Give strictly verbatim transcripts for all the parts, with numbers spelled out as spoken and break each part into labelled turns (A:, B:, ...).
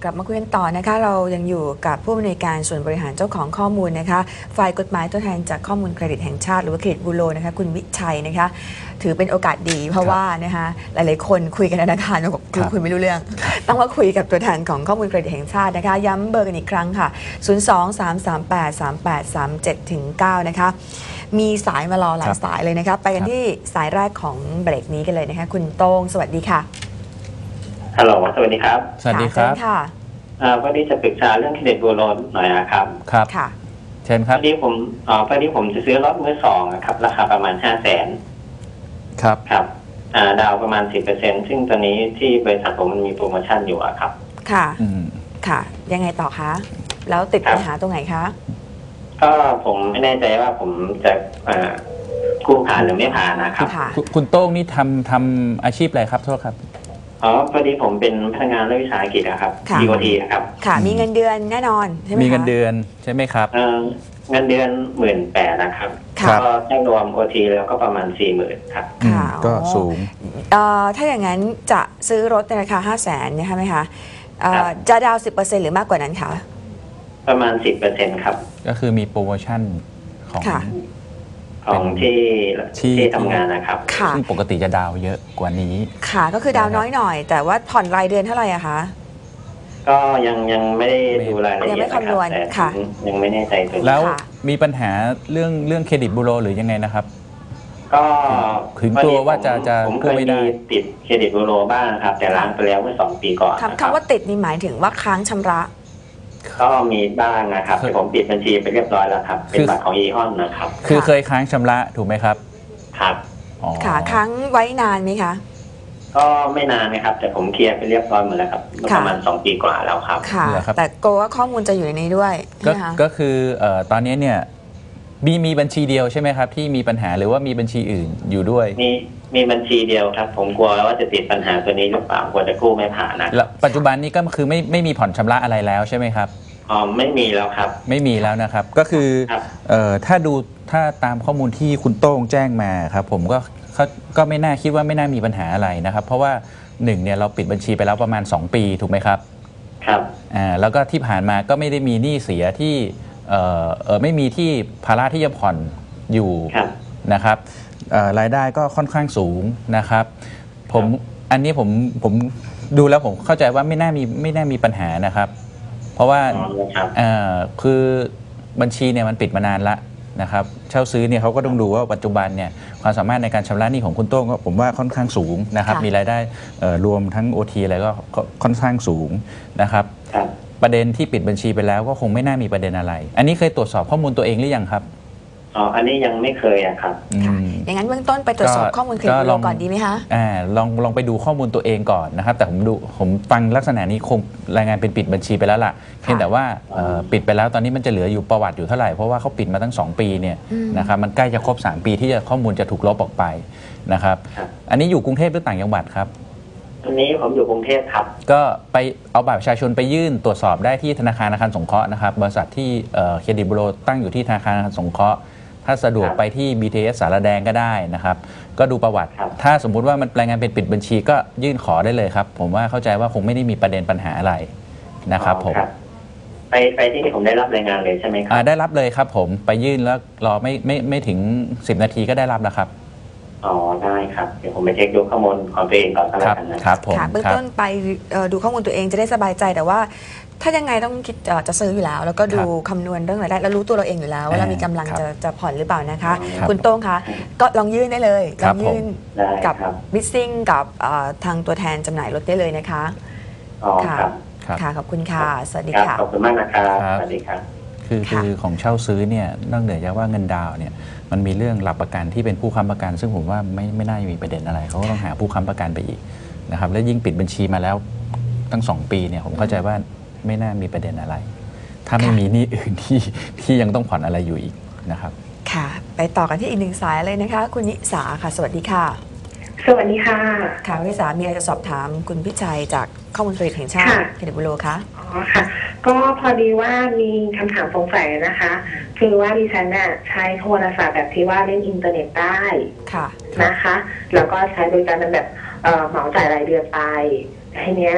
A: กลับมาคุยกันต่อนะคะเรายังอยู่กับผู้อำนวยการส่วนบริหารเจ้าของข้อมูลนะคะฝ่ายกฎหมายตัวแทนจากข้อมูลเครดิตแห่งชาติหรือว่าเครดิตบูโรนะคะคุณวิชัยนะคะถือเป็นโอกาสดีเพราะว่านะคะหลายๆคนคุยกันธนาคารบอกคือคุยไม่รู้เรื่องต้องมาคุยกับตัวแทนของข้อมูลเครดิตแห่งชาตินะคะย้ำเบอร์กันอีกครั้งค่ะศูนย์ สอง สาม สาม แปด สาม แปด สาม เจ็ด ถึง เก้านะคะมีสายมารอหลายสายเลยนะคะไปกันที่สายแรกของเบรกนี้กันเลยนะคะคุณโต้งสวัสดีค่ะ
B: ฮัลโหลสวัสดีครับ
C: สวัสดีครับ
A: ค่ะ
B: วันนี้จะปรึกษาเรื่องเครดิตบูโรหน่อยนะครับ
C: ครับ
A: ค่ะ
C: เชิญครับ
B: พอดีผมอ๋อพอดีผมจะซื้อรถมือสองครับราคาประมาณห้าแสน
C: ครับ
B: ครับอ่าดาวประมาณสิบเปอร์เซ็นต์ซึ่งตอนนี้ที่บริษัทผมมันมีโปรโมชั่นอยู่ครับ
A: ค่ะอืมค่ะยังไงต่อคะแล้วติดปัญหาตรงไหนคะ
B: ก็ผมไม่แน่ใจว่าผมจะอ่ากู้ผ่านหรือไม่ผ่านนะครับ
C: คุณโต้งนี่ทำทำอาชีพอะไรครับโทษครับ
B: อ๋อพอดีผมเป็นพนักงานรัฐวิสาหกิจนะครับ ดี โอ ที ครับ
A: ค่ะมีเงินเดือนแน่นอนใช่ไหม
C: มีเงินเดือนใช่ไหมครับ
B: เออเงินเดือนหมื่นแปดนะครับก็ได้รวม โอ ที แล้วก็ประมาณสี่หมื่นครับ
C: ก็สูง
A: เอ่อถ้าอย่างนั้นจะซื้อรถในราคาห้าแสนใช่ไหมคะจะดาวสิบเปอร์เซ็นต์หรือมากกว่านั้นคะ
B: ประมาณสิบเปอร์เซ็นต์ครับ
C: ก็คือมีโปรโมชั่นของ
B: ของที่ที่ทำงานนะครับ
C: ซึ่งปกติจะดาวเยอะกว่านี้
A: ค่ะก็คือดาวน้อยหน่อยแต่ว่าผ่อนรายเดือนเท่าไหร่อะคะ
B: ก็ยังยังไม่ได้ดูรายละเอียด
A: ยังไม่คำนวณค่ะ
B: ยังไม่แน่ใจตัว
C: แล้วมีปัญหาเรื่องเรื่องเครดิตบูโรหรือยังไงนะครับ
B: ก็
C: ถึงตัวว่าจะจะ
B: กู้ไม่ได้ติดเครดิตบูโรบ้างครับแต่ล้างไปแล้วเมื่อสองปีก่อน
A: คำว่าติดนี่หมายถึงว่าค้างชำระ
B: ก็มีบ้างนะครับแต่ผมปิดบัญชีไปเรียบร้อยแล้วครับเป็นบัตรของอีออนนะครับ
C: คือเคยค้างชำระถูกไหมครับ
B: ครับ
A: ค่ะค้างไว้นานไหมคะ
B: ก็ไม่นานนะครับแต่ผมเคลียร์ไปเรียบร้อยหมดแล้วครับประมาณสองปีกว่าแล้วครับ
A: ค่ะแต่โกว่าข้อมูลจะอยู่ในนี้ด้วย
C: ก็คือตอนนี้เนี่ยมีมีบัญชีเดียวใช่ไหมครับที่มีปัญหาหรือว่ามีบัญชีอื่นอยู่ด้วย
B: มีมีบัญชีเดียวครับผมกลัวว่าจะติดปัญหาตัวนี้หรือเปล่ากลัวจะกู้ไม่ผ่านนะ
C: แล้วปัจจุบันนี้ก็คือไม่ไม่มีผ่อนชำระอะไรแล้วใช่ไหมครับ
B: อ๋อไม่มีแล้วครับ
C: ไม่มีแล้วนะครับก็คือเอ่อถ้าดูถ้าตามข้อมูลที่คุณโต้งแจ้งมาครับผมก็ก็ไม่น่าคิดว่าไม่น่ามีปัญหาอะไรนะครับเพราะว่าหนึ่งเนี่ยเราปิดบัญชีไปแล้วประมาณสองปีถูกไหมครับ
B: ครับ
C: อ่าแล้วก็ที่ผ่านมาก็ไม่ได้มีหนี้เสียที่เอ่อเออไม่มีที่ภาระที่จะผ่อนอยู่นะครับรายได้ก็ค่อนข้างสูงนะครับผมอันนี้ผมผมดูแล้วผมเข้าใจว่าไม่น่ามีไม่น่ามีปัญหานะครับเพราะว่าคือบัญชีเนี่ยมันปิดมานานละนะครับเช่าซื้อเนี่ยเขาก็ต้องดูว่าปัจจุบันเนี่ยความสามารถในการชำระหนี้ของคุณโต้งก็ผมว่าค่อนข้างสูงนะครับมีรายได้รวมทั้ง โอ ที อะไรก็ค่อนข้างสูงนะครับประเด็นที่ปิดบัญชีไปแล้วก็คงไม่น่ามีประเด็นอะไร อันนี้เคยตรวจสอบข้อมูลตัวเองหรือยังครับ
B: อ๋ออันนี้ยังไม่เคยอะครับ
A: อย่างนั้นเบื้องต้นไปตรวจสอบข้อมูลเครดิตบูโรก่อนดีไหมคะ
C: อ่าลองลองไปดูข้อมูลตัวเองก่อนนะครับแต่ผมดูผมฟังลักษณะนี้คงรายงานเป็นปิดบัญชีไปแล้วล่ะเพียงแต่ว่าปิดไปแล้วตอนนี้มันจะเหลืออยู่ประวัติอยู่เท่าไหร่เพราะว่าเขาปิดมาตั้งสองปีเนี่ยนะครับมันใกล้จะครบสามปีที่จะข้อมูลจะถูกลบออกไปนะครับอันนี้อยู่กรุงเทพหรือต่างจังหวัดครับ
B: อันนี้ผมอยู่กรุงเทพครับ
C: ก็ไปเอาบัตรประชาชนไปยื่นตรวจสอบได้ที่ธนาคารอาคารสงเคราะห์นะครับบริษัทที่เครดิตบูโรตั้งอยู่ที่ธนาคารอาคารสงเคราะห์ถ้าสะดวกไปที่ บี ที เอส สารแดงก็ได้นะครับก็ดูประวัติถ้าสมมุติว่ามันรายงานเป็นปิดบัญชีก็ยื่นขอได้เลยครับผมว่าเข้าใจว่าคงไม่ได้มีประเด็นปัญหาอะไรนะครับผม
B: ไปไปที่ผมได้รับรายงานเลยใช่ไหมครับ
C: ได้รับเลยครับผมไปยื่นแล้วรอไม่ไม่ไม่ถึงสิบนาทีก็ได้รับแล้วครับ
B: อ๋อได้ครับเดี๋ยวผมไปเช็คดูข้อมูลของตัวเองก่อนก็แล้วกัน
C: นะครับผม
A: เบื้องต้นไปดูข้อมูลตัวเองจะได้สบายใจแต่ว่าถ้ายังไงต้องคิดจะซื้ออยู่แล้วแล้วก็ดูคำนวณเรื่องรายได้แล้วรู้ตัวเราเองอยู่แล้วว่าเรามีกำลังจะจะผ่อนหรือเปล่านะคะคุณโต้งคะก็ลองยื่นได้เลยลองยื่นกับบิสซิ่งกับทางตัวแทนจำหน่ายรถได้เลยนะคะ
B: ค่ะ
A: ค่ะขอบคุณค่ะสวัสดีค่ะ
B: ขอบคุณมากนะครับสวัสดีครับ
C: คือคือของเช่าซื้อเนี่ยนอกเหนือจากว่าเงินดาวเนี่ยมันมีเรื่องหลักประกันที่เป็นผู้ค้ำประกันซึ่งผมว่าไม่ไม่น่าจะมีประเด็นอะไรเขาก็ต้องหาผู้ค้ำประกันไปอีกนะครับและยิ่งปิดบัญชีมาแล้วตั้งสองปีเนี่ยผมเข้าใจว่าไม่น่ามีประเด็นอะไรถ้าไม่มีหนี้อื่นที่ที่ยังต้องผ่อนอะไรอยู่อีกนะครับ
A: ค่ะไปต่อกันที่อีกหนึ่งสายเลยนะคะคุณนิสาค่ะสวัสดีค่ะ
D: สวัสดีค่ะ
A: ค่ะคุณนิสามีอะไรจะสอบถามคุณพิชัยจากข้อมูลเครดิตแห่งชาติเครดิตบูโรคะ
D: อ๋อค่ะก็พอดีว่ามีคำถามสงสัยนะคะคือว่าดิฉันน่ะใช้โทรศัพท์แบบที่ว่าเล่นอินเทอร์เน็ตได้
A: ค่ะ
D: นะคะแล้วก็ใช้บริการเป็นแบบเหมาจ่ายรายเดือนไปทีเนี้ย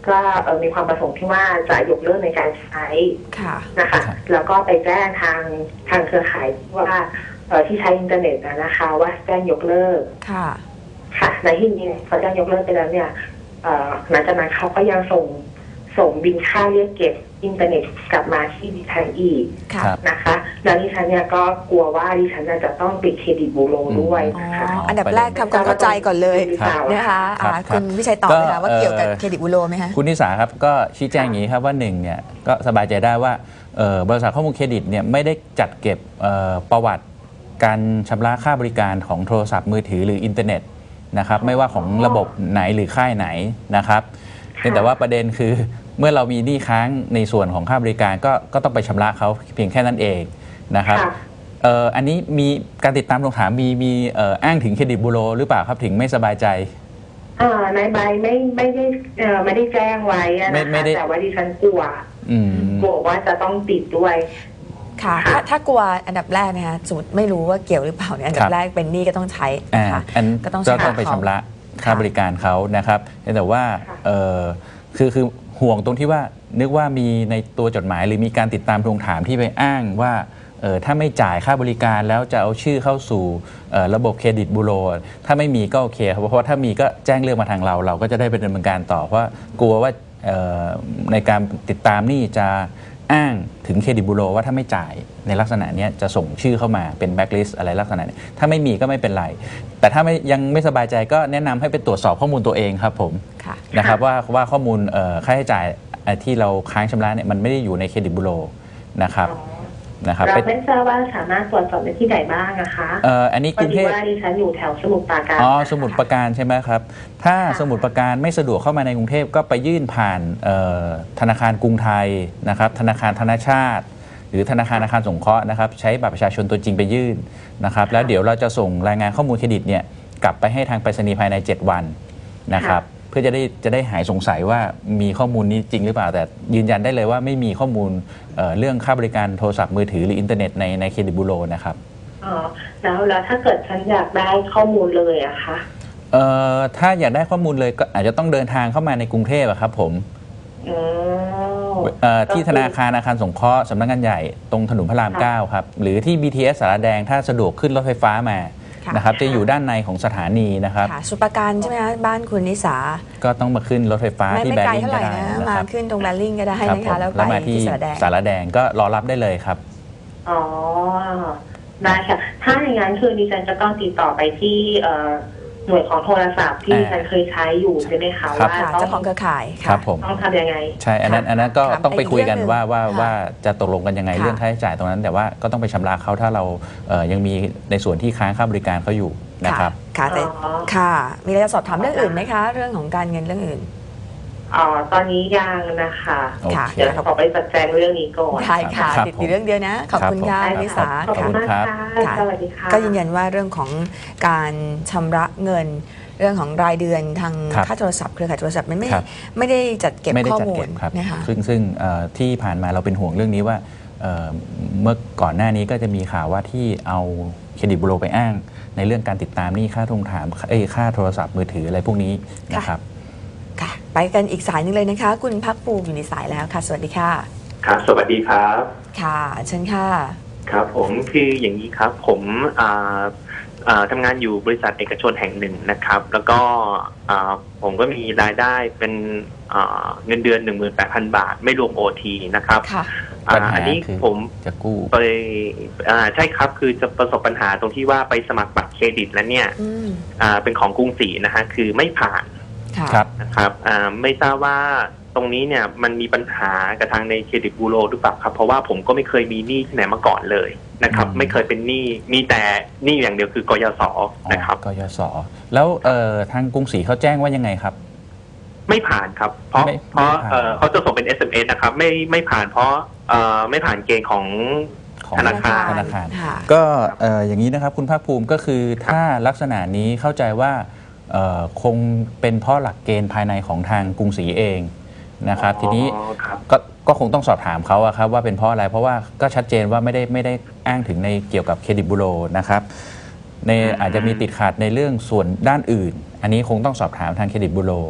D: ก็เอ่อมีความประสงค์ที่ว่าจะยกเลิกในการใช้
A: ค่ะ
D: นะคะแล้วก็ไปแจ้งทางทางเครือข่ายว่าเอ่อที่ใช้อินเทอร์เน็ตนะนะคะว่าแจ้งยกเลิก
A: ค่ะ
D: ค่ะในที่นี้เขาแจ้งยกเลิกไปแล้วเนี่ยเอ่อหลังจากนั้นเขาก็ยังส่งส่งบินค่าเรียกเก็บอินเทอร์เน็ตกลับมาที่ดิฉันอีก
A: ค่ะ
C: ครับ
D: นะคะแล้วดิฉันเนี่ยก็กลัวว่าดิฉันจะต้องปิดเครดิตบูโรด้วย
A: อ๋อ
D: นะคะ
A: อันดับแรกทำความเข้าใจก่อนเลย
D: ครับ
A: นะคะ
C: ครับ
A: อ่า
C: ครับ
A: คุณวิชัยตอบเลยค่ะ
C: ก็
A: ว่าเกี่ยวกับ
C: เอ่อ
A: เครดิตบูโรไหมคะ
C: คุณนิสาครับก็ชี้แจงอย่างนี้ครับว่าหนึ่งเนี่ยก็สบายใจได้ว่าเอ่อบริษัทข้อมูลเครดิตเนี่ยไม่ได้จัดเก็บเอ่อประวัติการชำระค่าบริการของโทรศัพท์มือถือหรืออินเทอร์เน็ตนะครับไม่ว่าของระบบไหนหรือค่ายไหนนะครับเพียงแต่ว่าประเด็นคือเมื่อเรามีหนี้ค้างในส่วนของค่าบริการก็ก็ต้องไปชำระเขาเพียงแค่นั้นเองนะครับ
D: ค่ะ
C: เอ่ออันนี้มีการติดตามทวงถามมีมีเอ่ออ้างถึงเครดิตบูโรหรือเปล่าครับถึงไม่สบายใจ
D: อ่าในใบไม่ไม่ได้เอ่อไม่ได้แจ้งไว้อะ
C: ไม่
D: นะ
C: ไม่
D: คะ
C: ได้
D: แต่ว่าดิฉันกลัว
C: อืม
D: กลัวว่าจะต้องติดด้วย
A: ค่ะ ถ้าถ้ากลัวอันดับแรกนะคะสมมติไม่รู้ว่าเกี่ยวหรือเปล่าเนี่ยอันดั
C: ครับ บ
A: แรกเป็นหนี้ก็ต้องใช้
C: อ่า
A: นะคะ
C: อัน
A: ก็ต้อง
C: ก็ต้องไป
A: เขา
C: ชำระค่า
A: ค่ะ
C: บริการเขานะครับแต่ว่า
D: ค่ะ
C: เอ่อคือคือห่วงตรงที่ว่านึกว่ามีในตัวจดหมายหรือมีการติดตามทวงถามที่ไปอ้างว่าเออถ้าไม่จ่ายค่าบริการแล้วจะเอาชื่อเข้าสู่เอ่อระบบเครดิตบูโรถ้าไม่มีก็โอเคครับเพราะว่าถ้ามีก็แจ้งเรื่องมาทางเรา เราก็จะได้ไปดำเนินการต่อเพราะว่ากลัวว่าเอ่อในการติดตามนี่จะอ้างถึงเครดิตบูโรว่าถ้าไม่จ่ายในลักษณะเนี้ยจะส่งชื่อเข้ามาเป็นแบ็คลิสต์อะไรลักษณะนี้ถ้าไม่มีก็ไม่เป็นไร แต่ถ้าไม่ยังไม่สบายใจก็แนะนำให้ไปตรวจสอบข้อมูลตัวเองครับผม
A: ค่ะ
C: นะครับว่าว่าข้อมูลเอ่อค่าใช้จ่ายเอ่อที่เราค้างชำระเนี่ยมันไม่ได้อยู่ในเครดิตบูโรนะครับนะครับ
D: เรา
C: ไป
D: ไม่ทราบว่าสามารถตรวจสอบได้ที่ไหนบ้างนะคะ
C: เอ่ออันนี้
D: พ
C: ก
D: อ
C: รุง
D: ดี
C: เทพ
D: ว่าดิฉันอยู่แถวสมุทรปราการ
C: อ๋อสมุทรปราการใช่ไหมครับถ้าสมุทรปราการไม่สะดวกเข้ามาในกรุงเทพก็ไปยื่นผ่านเอ่อธนาคารกรุงไทยนะครับธนาคารธนชาติ หรือธนาคารอาคารสงเคราะห์นะครับใช้บัตรประชาชนตัวจริงไปยื่นนะครับแล้วเดี๋ยวเราจะส่งรายงานข้อมูลเครดิตเนี่ยกลับไปให้ทางไปรษณีย์ภายในเจ็ดวันนะครับเพื่อจะได้จะได้หายสงสัยว่ามีข้อมูลนี้จริงหรือเปล่าแต่ยืนยันได้เลยว่าไม่มีข้อมูลเอ่อเรื่องค่าบริการโทรศัพท์มือถือหรืออินเทอร์เน็ตในในเครดิตบูโรนะครับ
D: อ๋อแล้วแล้วถ้าเกิดฉันอยากได้ข้อมูลเลยอะคะ
C: เอ่อถ้าอยากได้ข้อมูลเลยก็อาจจะต้องเดินทางเข้ามาในกรุงเทพอะครับผม
D: อ๋อ
C: เอ่อที่ธนาคารอาคารสงเคราะห์สำนักงานใหญ่ตรงถนนพระราม
D: ค่ะ
C: เก้าครับหรือที่ บี ที เอส สารแดงถ้าสะดวกขึ้นรถไฟฟ้ามา
A: ค่ะ
C: นะครับจะอยู่ด้านในของสถานีนะครับ
A: ค่ะสุปราการใช่ไหมคะบ้านคุณนิสา
C: ก็ต้องมาขึ้นรถไฟฟ้า
A: ไม่
C: ที่
A: ไม่
C: แบ
A: ไกล
C: ริ่ง
A: เท่าไห
C: ก็
A: ร่
C: ได้
A: นะ
C: นะ
A: มา
C: ครับ
A: ขึ้นตรงแบริ่งก็ได้
C: ครับ
A: นะ
C: ผ
A: คะ
C: ม
A: แล้ว
C: แล้ว
A: ไป
C: มาที่
A: ที่สระแดง
C: สารแดงก็รอรับได้เลยครับ
D: อ๋อได้ค่ะ ถ้าอย่างนั้นคือดิฉันจะต้องติดต่อไปที่เอ่อหน่วยของโทรศัพท์ที่ดิฉันเคยใช้อยู่ใช่ไหมคะ
C: ครับ
D: ว่า
A: ค่ะ
D: ต้อ
A: เจ้าง ของเครือข่าย
C: ครับผม
D: ต้องทำยังไง
C: ใช่อันนั้นอันนั้นก็
A: ถาม
C: ต้องไป
A: ไปอีก
C: คุยกัน
A: เรื่องหนึ่ง
C: ว่าว่า
A: ค่ะ
C: ว่าจะตกลงกันยังไง
A: ค่ะ
C: เรื่องค่าใช้จ่ายตรงนั้น แต่ว่าก็ต้องไปชำระเขาถ้าเราเอ่อยังมีในส่วนที่ค้างค่าบริการเขาอยู่นะครับ
A: ค่ะแต่
D: อ๋อ
A: ค่ะ มีอะไรจะสอบถามเรื่องอื่นไหมคะ เรื่องของการเงินเรื่องอื่น
D: อ๋อตอนนี้ยังนะคะ
C: โอเค
A: ค่ะ
D: เดี๋ยวเราขอไปจัดแจงเรื่องนี้ก่อน
A: ได้ค่ะ
C: ครับ
A: ติด
C: ผม
A: อยู่เรื่องเดียวนะ ขอบคุณ
C: ครับ
A: ค่ะ
C: ผม
A: นิสา
D: ขอบคุณ
A: ค่ะ
D: มากค่ะ
A: ค่ะ
D: สวัสดีค่ะ
A: ก็ยืนยันว่าเรื่องของการชำระเงิน เรื่องของรายเดือนทาง
C: ครับ
A: ค่าโทรศัพท์เครือข่ายโทรศัพท์มันไม่
C: ครับ
A: ไม่ได้จัดเก็บ
C: ไม่ได้
A: ข้อ
C: จัด
A: มู
C: เก็
A: ล
C: บครับ
A: นะคะ
C: ซึ่งซึ่งเอ่อที่ผ่านมาเราเป็นห่วงเรื่องนี้ว่าเอ่อเมื่อก่อนหน้านี้ก็จะมีข่าวว่าที่เอาเครดิตบูโรไปอ้าง ในเรื่องการติดตามหนี้ค่าทวงถามเอ้ยค่าโทรศัพท์มือถืออะไรพวกนี้นะครับ
A: ค่ะ ไปกันอีกสายหนึงเลยนะคะ คุณพักภูมิอยู่ในสายแล้วค่ะ สวัสดีค่ะ
B: ครับสวัสดีครับ
A: ค่ะเชิญค่ะ
E: ครับผมคืออย่างนี้ครับผมอ่าอ่าทำงานอยู่บริษัทเอกชนแห่งหนึ่งนะครับ แล้วก็อ่าผมก็มีรายได้เป็นอ่าเงินเดือน หนึ่งหมื่นแปดพัน บาท ไม่รวม โอ ที นะครับ
A: ค่ะ
E: อ่า
C: ปัญหา
E: อันนี้
C: คือ
E: ผม
C: จะกู้
E: ไปอ่าใช่ครับคือจะประสบปัญหาตรงที่ว่าไปสมัครบัตรเครดิตแล้วเนี่ย
A: อืม
E: อ่าเป็นของกรุงศรีนะฮะคือไม่ผ่าน
A: ค่ะ
C: ครับ
E: นะครับอ่าไม่ทราบว่าตรงนี้เนี่ยมันมีปัญหากับทางในเครดิตบูโรหรือเปล่าครับเพราะว่าผมก็ไม่เคยมีหนี้ที่ไหนมาก่อนเลยนะครับ
C: อืม
E: ไม่เคยเป็นหนี้มีแต่หนี้อย่างเดียวคือกยศนะครับ
C: กยศแล้วเอ่อทางกรุงศรีเขาแจ้งว่ายังไงครับ
E: ไม่ผ่านครับ เพราะ
C: ไม่
E: เพราะ
C: ไม่ผ่าน
E: เอ่อเขาจะส่งเป็น เอส เอ็ม เอส นะครับไม่ไม่ผ่านเพราะเอ่อไม่ผ่านเกณฑ์ของ
C: ของ
E: ธนาคาร
C: ธนาคาร
A: ค่ะ
C: ก็เอ่ออย่างนี้นะครับคุณภาคภูมิก็คือถ้าลักษณะนี้เข้าใจว่าเอ่อคงเป็นเพราะหลักเกณฑ์ภายในของทางกรุงศรีเองนะครับ ทีนี้
E: อ๋อครับ
C: ก็ก็คงต้องสอบถามเขาอะครับว่าเป็นเพราะอะไรเพราะว่าก็ชัดเจนว่าไม่ได้ไม่ได้อ้างถึงในเกี่ยวกับเครดิตบูโรนะครับใน
E: อืม
C: อาจจะมีติดขัดในเรื่องส่วนด้านอื่น อันนี้คงต้องสอบถามทางเครดิตบูโร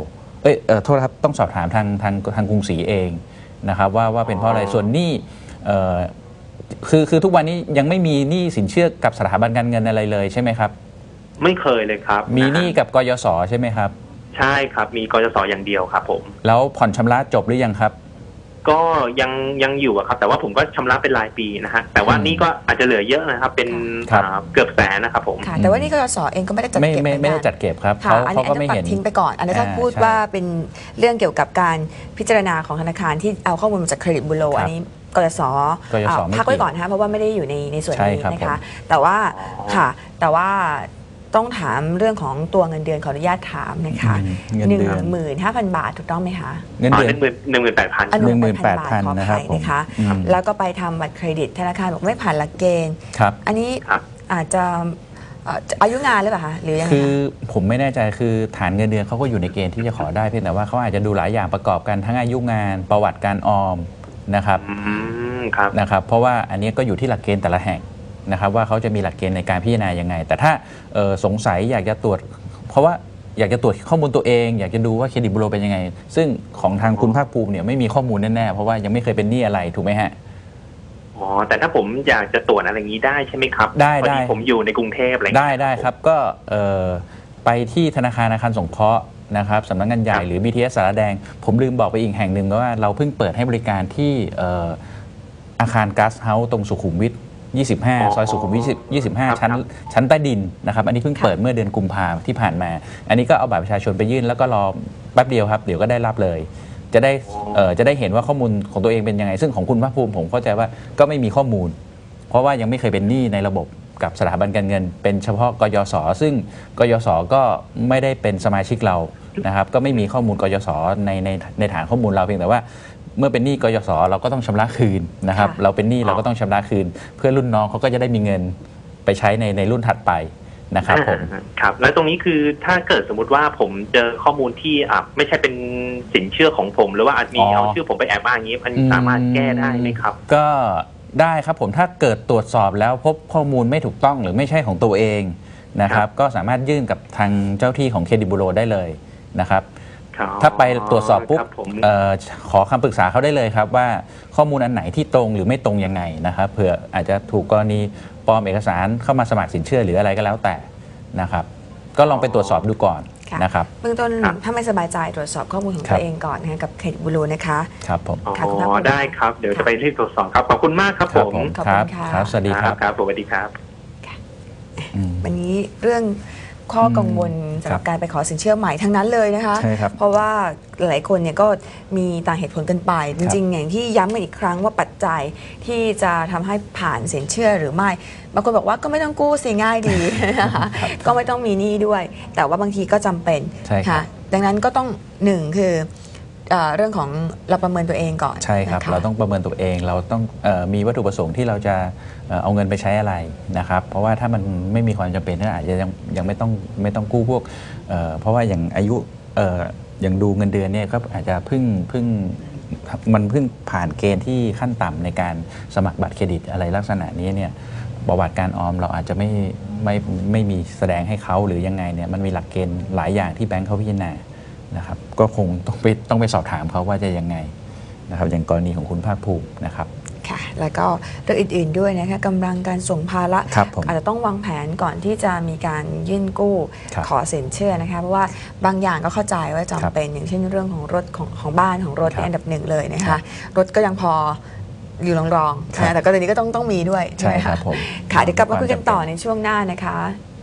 C: เอ้ยเอ่อโทษครับต้องสอบถามทางทางทางกรุงศรีเองนะครับว่าว่าเป็นเพราะอะไรส่วนหนี้เอ่อคือคือทุกวันนี้ยังไม่มีหนี้สินเชื่อกับสถาบันการเงินอะไรเลยใช่ไหมครับ
E: ไม่เคยเลยครับ
C: มีหนี้กับกยศใช่ไหมครับ
E: ใช่ครับมีกยศอย่างเดียวครับผม
C: แล้วผ่อนชำระจบหรือยังครับ
E: ก็ยังยังอยู่ครับแต่ว่าผมก็ชำระเป็นรายปีนะฮะแต่ว่านี่ก็อาจจะเหลือเยอะนะครับเป็นเกือบแสนนะครับผม
A: แต่ว่านี่กยศเองก็ไม่ได้จัดเก็บ
C: ไม่ไม่ได้จัดเก็บครับ
A: เขาเขาก็ไม่เห็นทิ้งไปก่อนอันนี้ถ้าพูดว่าเป็นเรื่องเกี่ยวกับการพิจารณาของธนาคารที่เอาข้อมูลมาจากเครดิตบูโรอันนี้กยศพักไว้ก่อนนะคะเพราะว่าไม่ได้อยู่ในในส่วนนี้นะคะแต่ว่าค่ะแต่ว่าต้องถามเรื่องของตัวเงินเดือนขออนุญาตถามนะคะหนึ่งหมื่นห้าพันบาทถูกต้องไหมคะ
C: เงินเดือน
E: หนึ่งหมื่นแปดพัน
C: หนึ่งหมื่นแปดพันนะครับ
A: นะคะแล้วก็ไปทำบัตรเครดิตธนาคารบอกไม่ผ่านหลักเกณฑ์อันนี้อาจจะอายุงานหรือเปล่าคะหรือยังไง
C: คือผมไม่แน่ใจคือฐานเงินเดือนเขาก็อยู่ในเกณฑ์ที่จะขอได้เพียงแต่ว่าเขาอาจจะดูหลายอย่างประกอบกันทั้งอายุงานประวัติการออมนะครับนะครับเพราะว่าอันนี้ก็อยู่ที่หลักเกณฑ์แต่ละแห่งนะครับว่าเขาจะมีหลักเกณฑ์ในการพิจารณายังไงแต่ถ้าสงสัยอยากจะตรวจเพราะว่าอยากจะตรวจข้อมูลตัวเองอยากจะดูว่าเครดิตบูโรเป็นยังไงซึ่งของทางคุณภาคภูมิเนี่ยไม่มีข้อมูลแน่ๆเพราะว่ายังไม่เคยเป็นหนี้อะไรถูกไหมฮะ
E: อ๋อแต่ถ้าผมอยากจะตรวจอะไรอย่างนี้ได้ใช่ไหมครับ
C: ได้ได้
E: ผมอยู่ในกรุงเทพอะไร
C: ได้ได้ครับก็ไปที่ธนาคารอาคารสงเคราะห์นะครับสำนักงานใหญ่หรือ บี ที เอส สารแดงผมลืมบอกไปอีกแห่งหนึ่งว่าเราเพิ่งเปิดให้บริการที่อาคารก๊าซเฮาส์ตรงสุขุมวิทยี่สิบห้าซอยสุขุมวิทยี่สิบห้าชั้นชั้นใต้ดินนะครับอันนี้เพิ่งเปิดเมื่อเดือนกุมภาพันธ์ที่ผ่านมาอันนี้ก็เอาบัตรประชาชนไปยื่นแล้วก็รอแป๊บเดียวครับเดี๋ยวก็ได้รับเลยจะได้จะได้เห็นว่าข้อมูลของตัวเองเป็นยังไงซึ่งของคุณภาคภูมิผมเข้าใจว่าก็ไม่มีข้อมูลเพราะว่ายังไม่เคยเป็นหนี้ในระบบกับสถาบันการเงินเป็นเฉพาะกยศซึ่งกยศก็ไม่ได้เป็นสมาชิกเรานะครับก็ไม่มีข้อมูลกยศในในในฐานข้อมูลเราเพียงแต่ว่าเมื่อเป็นหนี้กยศเราก็ต้องชำระคืนนะครับเราเป็นหนี้เราก็ต้องชำระคืนเพื่อรุ่นน้องเขาก็จะได้มีเงินไปใช้ในในรุ่นถัดไปนะครับผม
E: ครับแล้วตรงนี้คือถ้าเกิดสมมุติว่าผมเจอข้อมูลที่อ่ะไม่ใช่เป็นสินเชื่อของผมหรือว่าอาจมีเอาชื่อผมไปแอบอ้างอย่างนี้มันสามารถแก้ได้ไหมครับ
C: ก็ได้ครับผมถ้าเกิดตรวจสอบแล้วพบข้อมูลไม่ถูกต้องหรือไม่ใช่ของตัวเองนะครับก็สามารถยื่นกับทางเจ้าที่ของเครดิตบูโรได้เลยนะครับถ้าไปตรวจสอบปุ๊บขอคำปรึกษาเขาได้เลยครับว่าข้อมูลอันไหนที่ตรงหรือไม่ตรงยังไงนะครับเผื่ออาจจะถูกกรณีปลอมเอกสารเข้ามาสมัครสินเชื่อหรืออะไรก็แล้วแต่นะครับก็ลองไปตรวจสอบดูก่อนนะครับ
A: เบื้องต้นถ้าไม่สบายใจตรวจสอบข้อมูลของตัวเองก่อนนะกับเครดิตบูโรนะคะ
C: ครับผม
E: อ๋อได้ครับเดี๋ยวจะไปรีบตรวจสอบครับขอบคุณมากครับผม
C: ครับครับสวัสดีครับ
E: ครับสวัสดีครับ
A: วันนี้เรื่องข้อกังวลสำหรับการไปขอสินเชื่อใหม่ทั้งนั้นเลยนะคะเพราะว่าหลายคนเนี่ยก็มีต่างเหตุผลกันไปจริงๆอย่างที่ย้ำกันอีกครั้งว่าปัจจัยที่จะทำให้ผ่านสินเชื่อหรือไม่บางคนบอกว่าก็ไม่ต้องกู้สิง่ายดีนะคะก็ไม่ต้องมีหนี้ด้วยแต่ว่าบางทีก็จำเป็นค่ะดังนั้นก็ต้องหนึ่งคือเรื่องของเราประเมินตัวเองก่อน
C: ใช่ครับเราต้องประเมินตัวเองเราต้องมีวัตถุประสงค์ที่เราจะเอาเงินไปใช้อะไรนะครับเพราะว่าถ้ามันไม่มีความจำเป็นก็อาจจะยังยังไม่ต้องไม่ต้องกู้พวกเพราะว่าอย่างอายุอย่างดูเงินเดือนเนี่ยก็อาจจะเพิ่งเพิ่งมันเพิ่งผ่านเกณฑ์ที่ขั้นต่ำในการสมัครบัตรเครดิตอะไรลักษณะนี้เนี่ยประวัติการออมเราอาจจะไม่ไม่ไม่มีแสดงให้เขาหรือยังไงเนี่ยมันมีหลักเกณฑ์หลายอย่างที่แบงค์เขาพิจารณานะครับก็คงต้องไปต้องไปสอบถามเขาว่าจะยังไงนะครับอย่างกรณีของคุณภาคภูมินะครับ
A: ค่ะแล้วก็เรื่องอื่นๆด้วยนะคะกำลังการส่งภาระอาจจะต้องวางแผนก่อนที่จะมีการยื่นกู้ขอสินเชื่อนะคะเพราะว่าบางอย่างก็เข้าใจว่าจำเป็นอย่างเช่นเรื่องของรถของของบ้านของรถในอันดับหนึ่งเลยนะคะรถก็ยังพออยู่รองๆแต่ก็ตอนนี้ก็ต้องต้องมีด้วย
C: ใช่ไหมคะค่ะ
A: เดี๋ยวกลับมาคุยกันต่อในช่วงหน้านะคะ